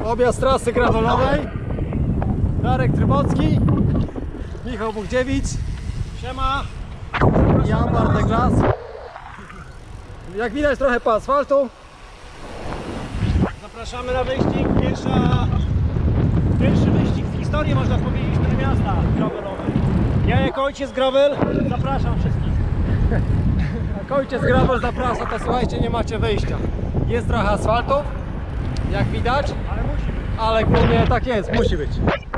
Objazd trasy gravelowej. Darek Trybocki, Michał Bogdziewicz, Siema! Jan Bartek Las. Jak widać trochę po asfaltu. Zapraszamy na wyścig. Pierwszy wyścig w historii, można powiedzieć, Trójmiasta gravelowej. Ja jako ojciec gravel zapraszam wszystkich. Jak ojciec gravel zaprasza, to słuchajcie, nie macie wyjścia. Jest trochę asfaltu, jak widać, Ale musi być. ale głównie tak jest, musi być.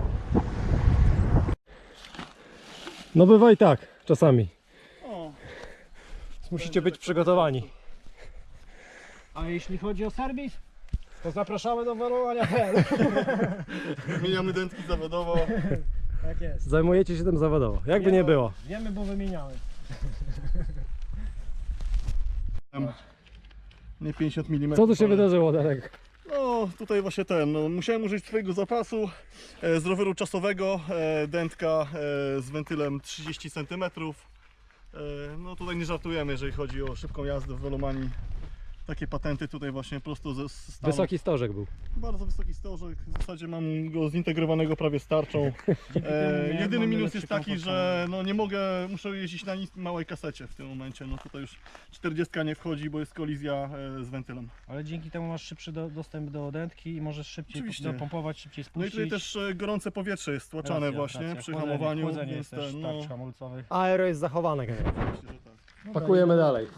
No bywa i tak, czasami. O. Musicie być przygotowani. A jeśli chodzi o serwis, to zapraszamy do welowania. Wymieniamy dętki zawodowo. Tak jest. Zajmujecie się tym zawodowo, jakby nie było. Wiemy, bo wymieniamy. Nie 50 mm. Co tu się wydarzyło, Darek? No tutaj właśnie musiałem użyć swojego zapasu z roweru czasowego, dętka z wentylem 30 cm. No tutaj nie żartujemy, jeżeli chodzi o szybką jazdę w Velomanii. Takie patenty tutaj właśnie prosto ze Stanów. Wysoki stożek był. Bardzo wysoki stożek, w zasadzie mam go zintegrowanego prawie z tarczą. Jedyny minus jest taki, że no nie mogę, muszę jeździć na małej kasecie w tym momencie. No tutaj już 40 nie wchodzi, bo jest kolizja z wentylem. Ale dzięki temu masz szybszy dostęp do dętki i możesz szybciej Oczywiście. dopompować, szybciej No i spuścić. tutaj też gorące powietrze jest tłaczane właśnie przy hamowaniu. Chłodzenie Więc jest też ten, tarcz hamulcowych. Aero jest zachowane. myślę, że tak. Pakujemy dalej.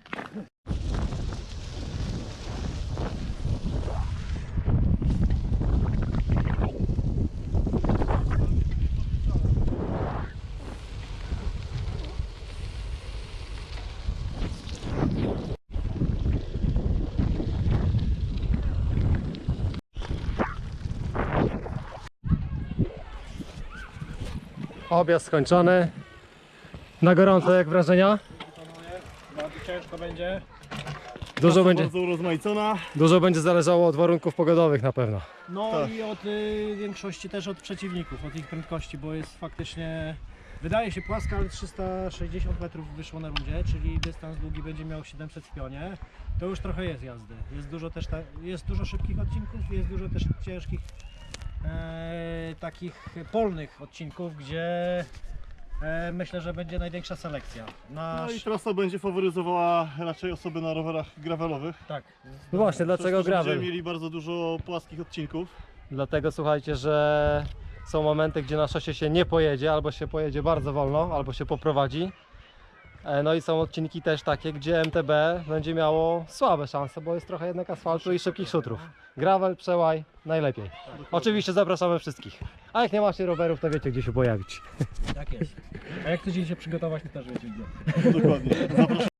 Objazd skończony. Na gorąco, jak wrażenia? Bardzo ciężko będzie. Dużo będzie, Bardzo urozmaicona. dużo będzie zależało od warunków pogodowych na pewno. No Tak. i od większości też od przeciwników, od ich prędkości, bo jest faktycznie, wydaje się płaska, ale 360 metrów wyszło na rundzie, czyli dystans długi będzie miał 700 w pionie. To już trochę jest jazdy. Jest dużo też jest dużo szybkich odcinków, jest dużo też ciężkich takich polnych odcinków, gdzie myślę, że będzie największa selekcja. No i trasa będzie faworyzowała raczej osoby na rowerach gravelowych. Tak. No właśnie, dlaczego Przez to, że gravel? Będziemy mieli bardzo dużo płaskich odcinków. Dlatego słuchajcie, że są momenty, gdzie na szosie się nie pojedzie, albo się pojedzie bardzo wolno, albo się poprowadzi. No i są odcinki też takie, gdzie MTB będzie miało słabe szanse, bo jest trochę jednak asfaltu i szybkich szutrów. Gravel, przełaj, najlepiej. Oczywiście zapraszamy wszystkich. A jak nie macie rowerów, to wiecie, gdzie się pojawić. Tak jest. A jak chcecie się przygotować, to też wiecie gdzie. Dokładnie. Zapraszam.